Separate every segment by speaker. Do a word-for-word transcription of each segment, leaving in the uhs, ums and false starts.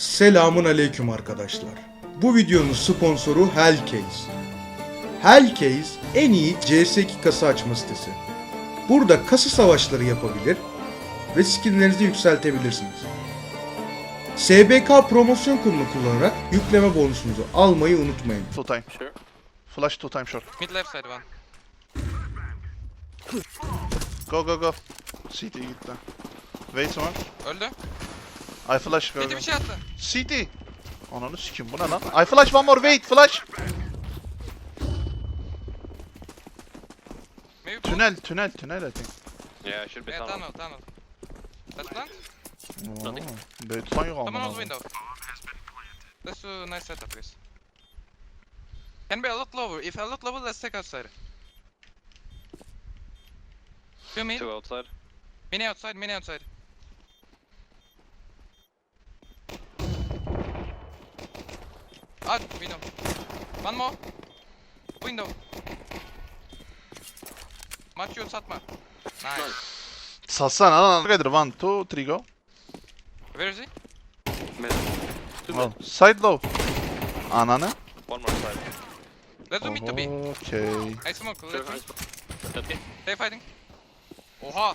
Speaker 1: Selamun aleyküm arkadaşlar. Bu videonun sponsoru Hellcase. Hellcase en iyi C S iki kasa açma sitesi. Burada kasa savaşları yapabilir ve skinlerinizi yükseltebilirsiniz. S B K promosyon kodunu kullanarak yükleme bonusunuzu almayı unutmayın.
Speaker 2: Two time.
Speaker 3: Sure.
Speaker 2: Flash two time short.
Speaker 4: Mid left side one.
Speaker 2: Go go go. C T gitti. Wait one.
Speaker 4: Öldü.
Speaker 2: I flash go.
Speaker 4: Midi
Speaker 2: go.
Speaker 4: bir şey attı.
Speaker 2: C T. Ananı sikim bu ne lan? I flash one more wait flash.
Speaker 4: Maybe pull.
Speaker 2: Tünel tünel tünel I think.
Speaker 3: Yeah, should be
Speaker 4: Yeah,
Speaker 3: tunnel.
Speaker 4: tunnel, tunnel. Let's plant.
Speaker 3: Nothing.
Speaker 2: Beytman yok
Speaker 4: Someone
Speaker 2: amına.
Speaker 4: else window. Let's do nice setup, guys. Can be a lot lower. If a lot lower, let's take outside. Two mid.
Speaker 3: Two outside.
Speaker 4: Mini outside, mini outside. Out, window. One more. Window. Maç yok satma. Nice.
Speaker 2: Satsana lan. Together one two three go.
Speaker 4: Where is he?
Speaker 3: Mid. Two
Speaker 2: Oh,
Speaker 3: mid.
Speaker 2: side low. Ananı.
Speaker 3: One more side.
Speaker 4: Let's do mid to B.
Speaker 2: Okay.
Speaker 4: I smoke,
Speaker 3: Sure,
Speaker 4: let's
Speaker 3: I
Speaker 4: do.
Speaker 3: smoke. Okay.
Speaker 4: Stay fighting. Oha.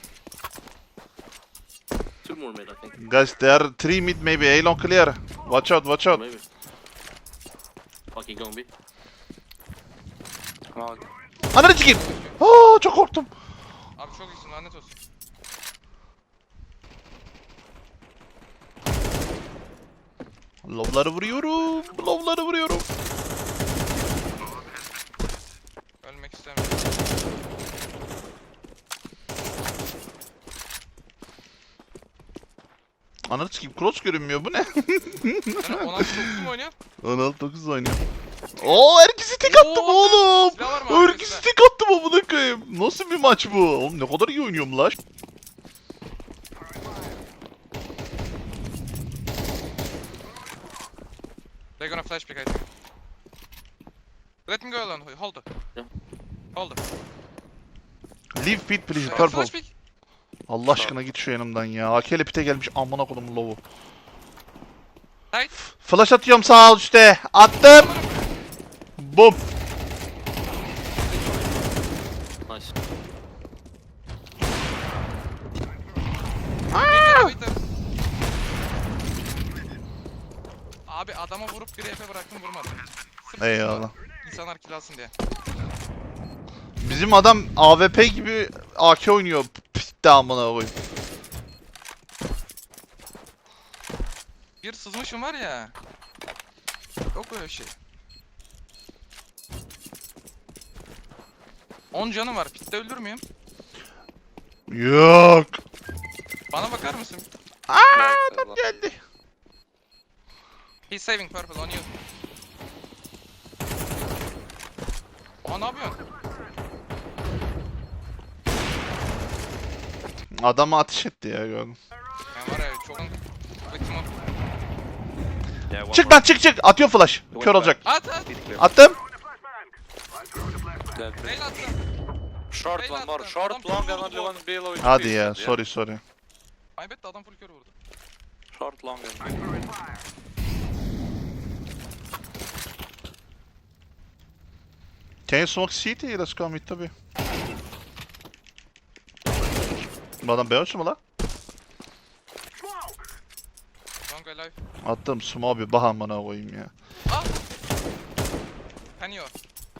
Speaker 3: Two more mid, I think.
Speaker 2: Guys there are three mid maybe. A long clear. Watch out watch out.
Speaker 3: Maybe. Fucking going B. Come on.
Speaker 2: Ananı sikeyim. Aa çok korktum.
Speaker 4: Abi çok iyisin, lanet olsun.
Speaker 2: Lobları vuruyorum. Lobları vuruyorum.
Speaker 4: Ölmek istemiyorum.
Speaker 2: Ananı sikeyim cross görünmüyor bu ne?
Speaker 4: Sen on altı dokuz mu oynuyorsun?
Speaker 2: on altı dokuz oynuyor. Oo herkesi tek attım
Speaker 4: Oo,
Speaker 2: oğlum.
Speaker 4: silah var mı
Speaker 2: Herkesi
Speaker 4: arkasında?
Speaker 2: tek attım amına koyayım. Nasıl bir maç bu? Oğlum ne kadar iyi oynuyorum lan.
Speaker 4: They're gonna flash pick, I think. Let me go alone. Hold it.
Speaker 3: Yeah.
Speaker 4: Hold it.
Speaker 2: Leave pit please
Speaker 4: Uh,
Speaker 2: purple.
Speaker 4: flash pick.
Speaker 2: Allah aşkına git şu yanımdan ya. A K ile pite gelmiş amına koydum lovu.
Speaker 4: Tight.
Speaker 2: Flash atıyorum sağ üstte. Attım. Bum.
Speaker 3: Nice.
Speaker 4: Wait, wait, wait. Abi adama vurup bir F bıraktım, vurmadım. Sırf
Speaker 2: Eyvallah.
Speaker 4: İnsanlar kill alsın diye.
Speaker 2: Bizim adam A W P gibi A K oynuyor. Pitte amına koyayım.
Speaker 4: Bir sızmışım var ya. Yok öyle şey. on canım var. Pitte öldür müyüm?
Speaker 2: Yok.
Speaker 4: Bana bakar mısın?
Speaker 2: Aa adam geldi.
Speaker 4: He's saving purple on you. Aa, ne yapıyorsun?
Speaker 2: Adamı ateş etti ya gördüm.
Speaker 4: Ben var ya çok... Ultim o.
Speaker 3: Yeah, one
Speaker 2: Çık
Speaker 3: more.
Speaker 2: lan çık çık. Atıyor flash. Kör olacak.
Speaker 4: At at!
Speaker 3: Mid clear.
Speaker 2: Attım.
Speaker 3: Dead.
Speaker 4: Rail attı.
Speaker 5: Short
Speaker 4: Rail
Speaker 5: one more,
Speaker 4: attı.
Speaker 5: short
Speaker 4: Adam
Speaker 5: long
Speaker 4: full
Speaker 5: and
Speaker 4: vurdu.
Speaker 5: only one below.
Speaker 2: Hadi ya sorry sorry.
Speaker 4: Kaybet adam full kör vurdu.
Speaker 5: Short long and
Speaker 2: Can you smoke C T? Let's go mid tabi. Bu adam Beyoncé mu lan?
Speaker 4: Long alive.
Speaker 2: Attım smoke bir bahan bana koyayım ya.
Speaker 4: Ah! Kanıyor.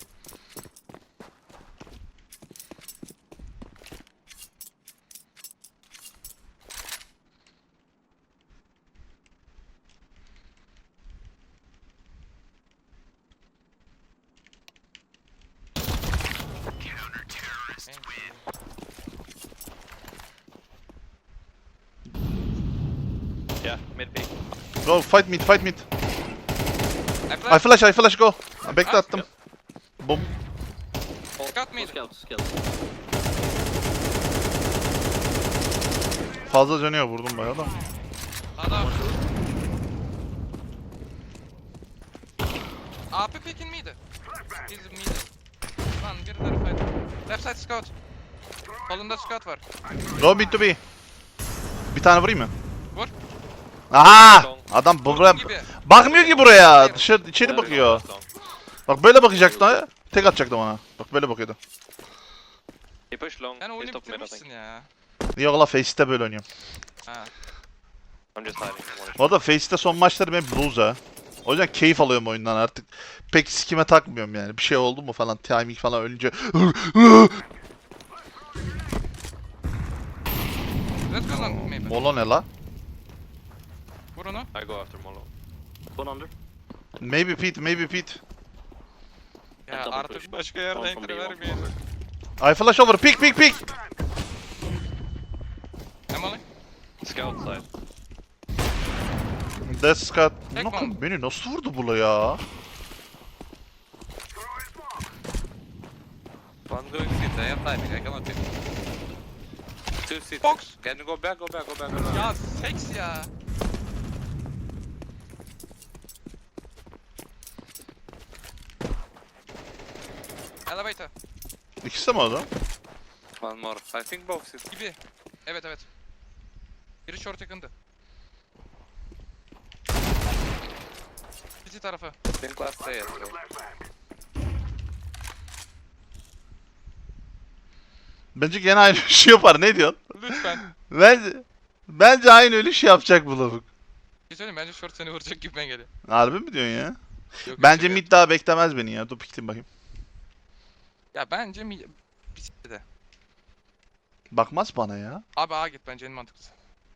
Speaker 3: Yeah, mid B.
Speaker 2: Go fight mid fight mid.
Speaker 4: I
Speaker 2: I flash I flash go. Bekle attım. Bum.
Speaker 4: Scout mid.
Speaker 3: Scout, scout.
Speaker 2: Fazla dönüyor vurdum bayağı da.
Speaker 4: Adam. A P picking mid. He's mid. Lan birileri fight. Left side scout. Solunda scout var.
Speaker 2: Go mid to B. Bir tane vurayım mı?
Speaker 4: Vur.
Speaker 2: Aha!
Speaker 5: long.
Speaker 2: Adam
Speaker 4: Vurdum
Speaker 2: buraya
Speaker 4: gibi.
Speaker 2: bakmıyor ki buraya.
Speaker 4: Hayır.
Speaker 2: Dışarı içeri
Speaker 3: One
Speaker 2: bakıyor.
Speaker 3: last long.
Speaker 2: Bak böyle bakacaktı ha. Tek atacaktım ona. Bak böyle bakıyordu.
Speaker 3: He pushed long.
Speaker 4: Yani
Speaker 3: He
Speaker 4: oyunu
Speaker 3: stopped mid, I
Speaker 4: bitirmişsin
Speaker 3: think.
Speaker 4: ya.
Speaker 2: Yok la Face'te böyle oynuyorum.
Speaker 4: Ha.
Speaker 3: I'm just hiding. One
Speaker 2: Bu arada Face'te son maçlarım hep lose ha. O yüzden keyif alıyorum oyundan artık. Pek sikime takmıyorum yani. Bir şey oldu mu falan, timing falan ölünce.
Speaker 4: Let's go long maybe.
Speaker 2: Molo ne la?
Speaker 4: Vur onu.
Speaker 3: I go after Molo. One under.
Speaker 2: Maybe Pete, maybe Pete.
Speaker 4: Ya
Speaker 3: double
Speaker 4: artık
Speaker 3: push.
Speaker 4: başka
Speaker 3: One
Speaker 4: yerde
Speaker 3: from
Speaker 4: entry
Speaker 3: B, one
Speaker 4: vermeyin.
Speaker 3: from over.
Speaker 2: I flash over, pick pick pick.
Speaker 4: Emily.
Speaker 3: Scout side.
Speaker 2: That's Scott.
Speaker 4: Tek
Speaker 2: Bakın
Speaker 4: bomb.
Speaker 2: beni nasıl vurdu bula ya?
Speaker 5: One going city. I have timing. I cannot hit. Two city.
Speaker 4: Fox.
Speaker 5: Can you go back? Go back. Go back. Go back.
Speaker 4: Ya seks ya. Elevator
Speaker 2: İkisi de mi adam?
Speaker 5: One more. I think both city.
Speaker 4: gibi. Evet evet. Biri short yakındı. City tarafı.
Speaker 5: I think last day as well.
Speaker 2: Bence gene aynı şey yapar. Ne diyorsun?
Speaker 4: Lütfen.
Speaker 2: Bence bence aynı öyle şey yapacak bu lavuk.
Speaker 4: Bir şey söyleyeyim, bence short seni vuracak gibime geliyor.
Speaker 2: Harbi mi diyorsun ya?
Speaker 4: Yok, yok,
Speaker 2: Bence
Speaker 4: yok.
Speaker 2: mid daha beklemez beni ya. Dur piktim bakayım.
Speaker 4: Ya bence mi... Bir City de.
Speaker 2: Bakmaz bana ya.
Speaker 4: Abi A git bence en mantıklısı.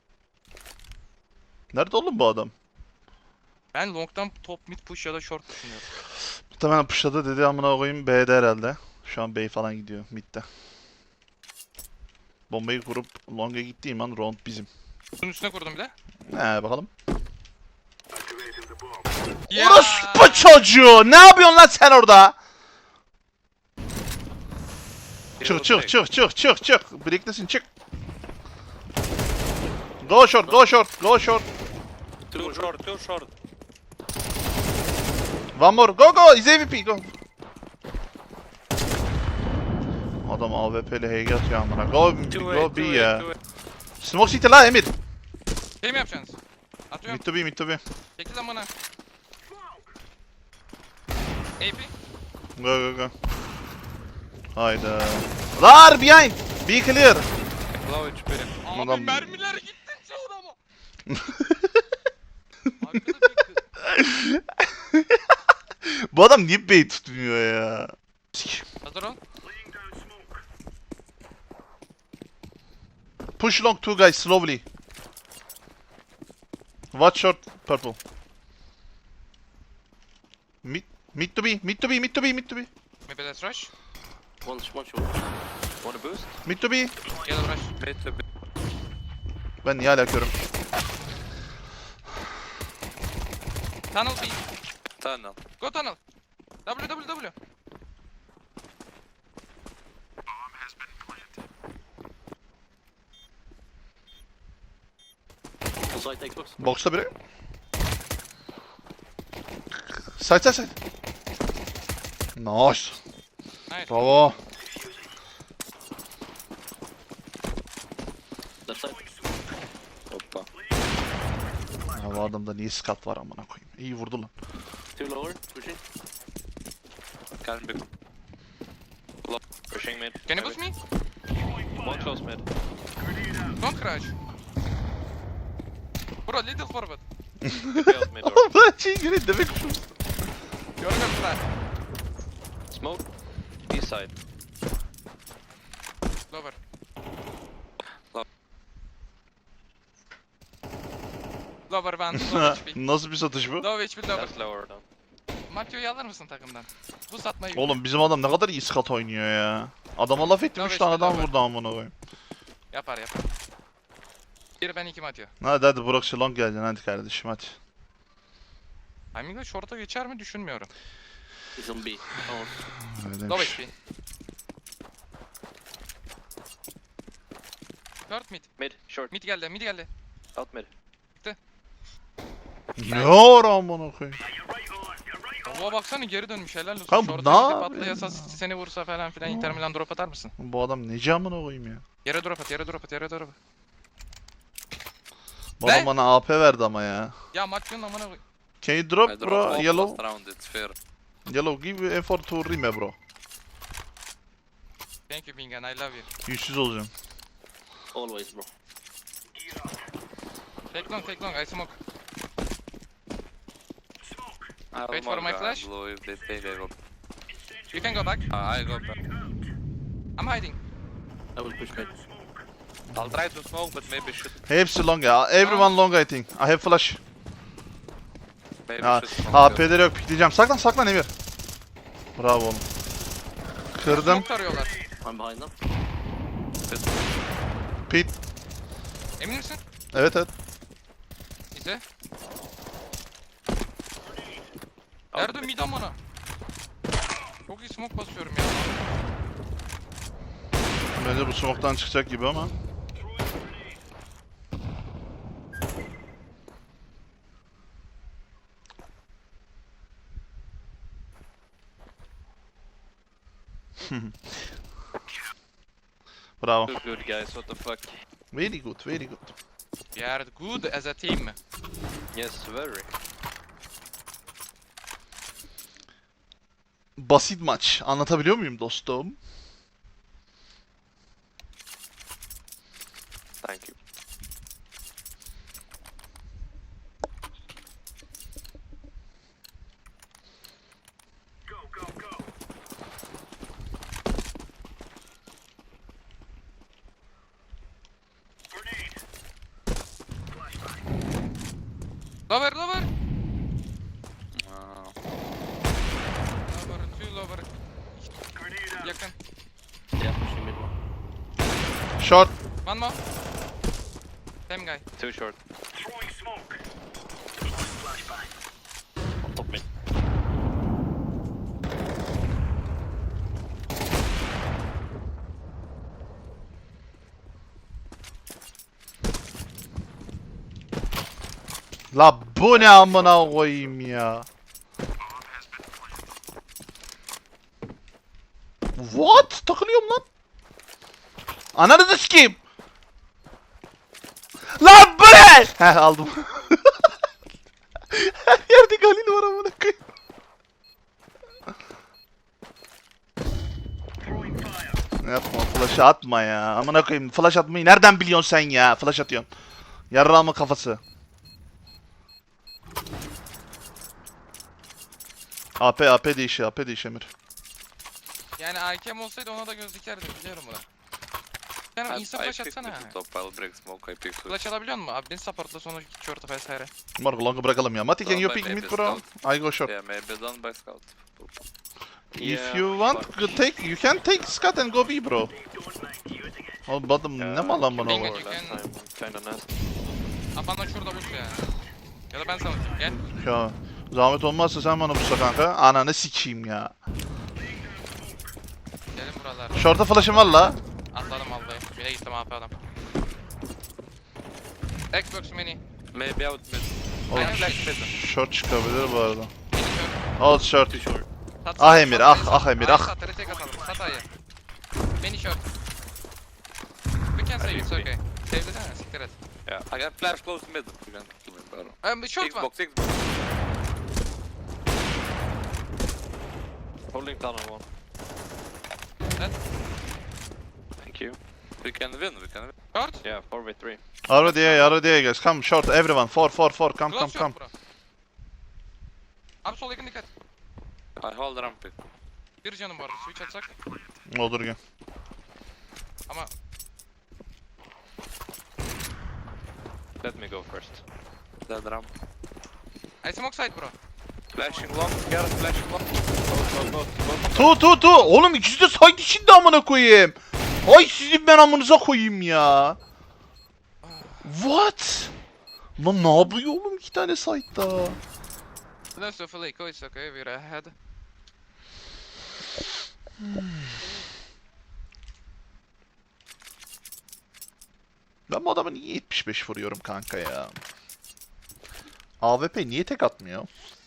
Speaker 2: Nerede oğlum bu adam?
Speaker 4: Ben long'dan top mid push ya da short düşünüyorum.
Speaker 2: Muhtemelen pushladı dedi amına koyayım B'de herhalde. Şu an B falan gidiyor midde. Bombayı kurup long'a gittiğim an round bizim.
Speaker 4: Bunun üstüne kurdum bir de.
Speaker 2: He bakalım.
Speaker 4: Ya!
Speaker 2: Orospu çocuğu! Ne yapıyorsun lan sen orada? Çık çık çık çık çık çık. Birliktesin çık. Go short, go short, go short.
Speaker 5: Two short. Two short.
Speaker 2: One more, go go, is M V P, go. Adam A W P'li H G atıyor amına. Go,
Speaker 5: Two
Speaker 2: go
Speaker 5: A.
Speaker 2: B
Speaker 5: Two
Speaker 2: ya.
Speaker 5: A. Two A.
Speaker 2: Smoke City la Emir.
Speaker 4: Şey mi yapacaksınız? Atıyorum.
Speaker 2: Mid to B, mid to B.
Speaker 4: Çekil lan bana. A P.
Speaker 2: Go go go. Hayda. Lar behind. Be clear.
Speaker 5: Low H P.
Speaker 4: Abi
Speaker 2: Adam-
Speaker 4: mermiler gitti çoğuna ama. Arkada bekle.
Speaker 2: Bu adam niye bait tutmuyor ya? Sik.
Speaker 4: Hazır ol.
Speaker 2: Push long two guys slowly. Watch short purple. Mid mid to B, mid to B, mid to B, mid to B.
Speaker 4: Maybe let's rush.
Speaker 3: One, one short. Want a boost?
Speaker 2: Mid to B.
Speaker 4: Gel rush.
Speaker 5: Mid to B.
Speaker 2: Ben niye hala körüm?
Speaker 4: Tunnel B.
Speaker 5: Tunnel.
Speaker 4: Go tunnel. W W W.
Speaker 3: Full side Xbox.
Speaker 2: Box'ta biri. Side side side. Nice.
Speaker 4: Nice.
Speaker 2: Bravo.
Speaker 3: Left side.
Speaker 5: Hoppa.
Speaker 2: Ya bu adamda niye skat var amına koyayım. İyi vurdu lan.
Speaker 3: Two lower. Pushing.
Speaker 5: Can be.
Speaker 3: Pushing mid.
Speaker 4: Can you boost me?
Speaker 3: One close mid.
Speaker 4: Don't crash. Bro little forward.
Speaker 3: Failed mid door.
Speaker 2: Oğlum lan şey göre demek şu.
Speaker 4: Görmüyorum flash.
Speaker 3: Smoke. East side.
Speaker 4: Lower.
Speaker 5: Low.
Speaker 4: Lower ben. Low H P.
Speaker 2: Nasıl bir satış bu?
Speaker 4: Low H P lower.
Speaker 3: That's lower down.
Speaker 4: Matio'yu alır mısın takımdan? Bu satmayı.
Speaker 2: Oğlum bizim adam ne kadar iyi skat oynuyor ya. Adama laf ettim
Speaker 4: Tabii
Speaker 2: üç tane
Speaker 4: işte,
Speaker 2: adam
Speaker 4: tabii.
Speaker 2: vurdu amına koyayım.
Speaker 4: Yapar yapar. Bir ben iki Matio.
Speaker 2: Hadi hadi Burak Şilong geleceksin hadi kardeşim hadi.
Speaker 4: Timing'de short'a geçer mi düşünmüyorum.
Speaker 3: He's on B. Oh.
Speaker 2: Öyle
Speaker 4: Low
Speaker 2: demiş.
Speaker 4: H P. Short mid.
Speaker 3: Mid. Short.
Speaker 4: Mid geldi mid geldi.
Speaker 3: Out mid.
Speaker 2: Ne var amına koyayım.
Speaker 4: Baba baksana geri dönmüş helal olsun.
Speaker 2: Kanka bu
Speaker 4: Short'a
Speaker 2: ne
Speaker 4: gidip
Speaker 2: yapıyor
Speaker 4: atlayasa
Speaker 2: ya?
Speaker 4: seni vursa falan filan Inter Milan drop atar mısın?
Speaker 2: Bu adam neci amına koyayım ya.
Speaker 4: Yere drop at yere drop at yere drop at.
Speaker 2: Bu
Speaker 4: Ne?
Speaker 2: adam bana A P verdi ama ya.
Speaker 4: Ya maçın amına koy.
Speaker 2: Can you
Speaker 5: I
Speaker 2: drop
Speaker 5: dropped
Speaker 2: bro?
Speaker 5: off
Speaker 2: Yellow?
Speaker 5: last round, it's fair.
Speaker 2: Yellow give effort to Rime bro.
Speaker 4: Thank you Bingan, I love you.
Speaker 2: Yüzsüz olacağım.
Speaker 3: Always, bro.
Speaker 4: Take long, take long, I smoke.
Speaker 5: I
Speaker 4: Wait for my flash.
Speaker 5: Blue, if they take, I go.
Speaker 4: You can go back.
Speaker 5: Uh, I go back.
Speaker 4: I'm hiding.
Speaker 3: I will push mid.
Speaker 5: I'll try to smoke, but maybe should
Speaker 2: Hepsi long ya. Everyone long I think. I have flash.
Speaker 5: maybe
Speaker 2: Ha,
Speaker 5: should smoke.
Speaker 2: A P'leri yok pikleyeceğim. Saklan saklan Emir. Bravo oğlum. Kırdım.
Speaker 4: Smoke tarıyorlar.
Speaker 3: I'm behind them.
Speaker 2: Pit.
Speaker 4: Emin misin?
Speaker 2: Evet evet.
Speaker 4: İzle. Nerede mid amına? Çok iyi smoke basıyorum ya.
Speaker 2: Bence bu smoke'tan çıkacak gibi ama. Bravo.
Speaker 3: Good, good guys, what the fuck?
Speaker 2: Very good, very good.
Speaker 4: We are good as a team.
Speaker 3: Yes, very.
Speaker 2: Basit maç. Anlatabiliyor muyum dostum?
Speaker 3: Thank you.
Speaker 4: Lover, lover.
Speaker 5: Uh,
Speaker 4: Lover, two lover. Yakın.
Speaker 3: Yeah, pushing mid one.
Speaker 2: Short.
Speaker 4: One more. Same guy.
Speaker 3: Too short. On top mid.
Speaker 2: La bu ne amına koyayım ya. What? Takılıyorum lan. Ananı da sikeyim. Lan bu ne? Heh aldım. Her yerde Galil var amına koyayım. Yapma flash atma ya. Amına koyayım flash atmayı nereden biliyorsun sen ya? Flash atıyorsun. Yarrağımın kafası. A P A P değişi A P değişi Emir.
Speaker 4: Yani A K'm olsaydı ona da göz dikerdim biliyorum bunu. Sen
Speaker 5: I,
Speaker 4: insta
Speaker 5: I
Speaker 4: flash
Speaker 5: picked
Speaker 4: atsana.
Speaker 5: mid top, I'll break smoke, I pick switch.
Speaker 4: Flash alabiliyor musun? Abi beni supportla sonra git short'a vesaire.
Speaker 2: Marco long'u bırakalım ya. Mati can you
Speaker 5: Don't
Speaker 2: pick
Speaker 5: buy
Speaker 2: mid
Speaker 5: maybe
Speaker 2: bro? I go short.
Speaker 5: Yeah, maybe done by scout.
Speaker 2: If
Speaker 3: Yeah,
Speaker 2: you want
Speaker 3: fuck.
Speaker 2: to take, you can take Scott and go B bro. Oğlum bu adam ne mal lan bana
Speaker 4: Bingo.
Speaker 2: bak.
Speaker 3: Last time, kinda nasty.
Speaker 4: Abi bana şurada bus ya. Ya da ben sana gel.
Speaker 2: Ya zahmet olmazsa sen bana bulsa kanka. Ananı sikeyim ya.
Speaker 4: Gelin buralara.
Speaker 2: Short'a flash'ım var la.
Speaker 4: Atladım vallahi. Bile gittim A P adam. Xbox mini.
Speaker 5: Maybe out mid.
Speaker 2: Oğlum
Speaker 4: Aynen.
Speaker 2: short çıkabilir bu arada.
Speaker 4: Mini short.
Speaker 2: Al short.
Speaker 4: Sat,
Speaker 2: Ah
Speaker 4: sat,
Speaker 2: Emir,
Speaker 4: sat,
Speaker 2: ah,
Speaker 4: sat.
Speaker 2: ah Emir,
Speaker 4: Ay,
Speaker 2: ah.
Speaker 4: Sat, retake atalım. Sat ayı. Mini short. We can save it's okay. Save desene siktir et.
Speaker 5: Yeah, I got flash close mid. You can kill me, bro.
Speaker 4: Um, short one.
Speaker 5: Xbox, Xbox.
Speaker 3: Holding tunnel one.
Speaker 4: Dead.
Speaker 3: Thank you.
Speaker 5: We can win, we can win.
Speaker 4: Short.
Speaker 3: Yeah, four v three.
Speaker 2: Already A, already A guys. Come short everyone. Four, four, four. Come, come,
Speaker 4: Close
Speaker 2: come.
Speaker 4: short bro. Abi sol yakın dikkat.
Speaker 5: I hold ramp it.
Speaker 4: Bir canım var. Switch atsak.
Speaker 2: Olur gel.
Speaker 4: Ama
Speaker 3: Let me go first.
Speaker 5: Dead ramp.
Speaker 4: I smoke side bro.
Speaker 5: Flashing long, here, flashing long.
Speaker 3: Both, both, both.
Speaker 2: Tu tu tu. Oğlum ikisi de side içinde amına koyayım. Ay sizin ben amınıza koyayım ya. What? Lan ne yapıyor oğlum iki tane side'da?
Speaker 4: Close to full eco, it's okay, we're ahead.
Speaker 2: Ben bu adamı niye yetmiş beş vuruyorum kanka ya? A W P niye tek atmıyor?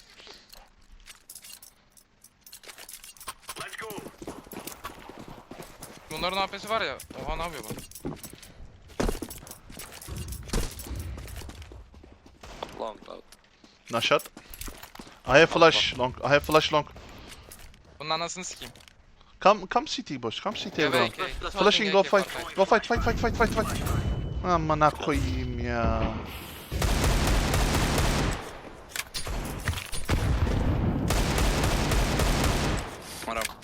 Speaker 4: Bunların A P'si var ya. Oha ne yapıyor bu?
Speaker 5: Long out.
Speaker 2: No shot. I have flash long. I have flash long.
Speaker 4: Bunun anasını sikeyim.
Speaker 2: Come come C T boys. Come C T
Speaker 4: Evet,
Speaker 2: everyone.
Speaker 4: okay.
Speaker 2: Flashing go
Speaker 4: A K for
Speaker 2: fight. Go fight fight fight fight fight fight. Amına koyayım ya.
Speaker 5: One up.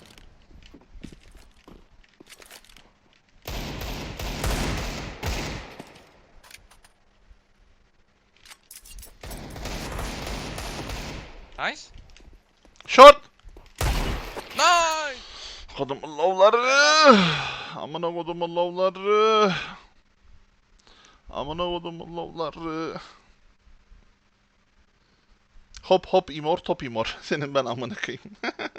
Speaker 4: Nice.
Speaker 2: Short.
Speaker 4: Nice.
Speaker 2: Kodumun lovları. Amına kodumun lovları. Amına kodumun lovları. Hop hop imor top imor. Senin ben amına koyayım.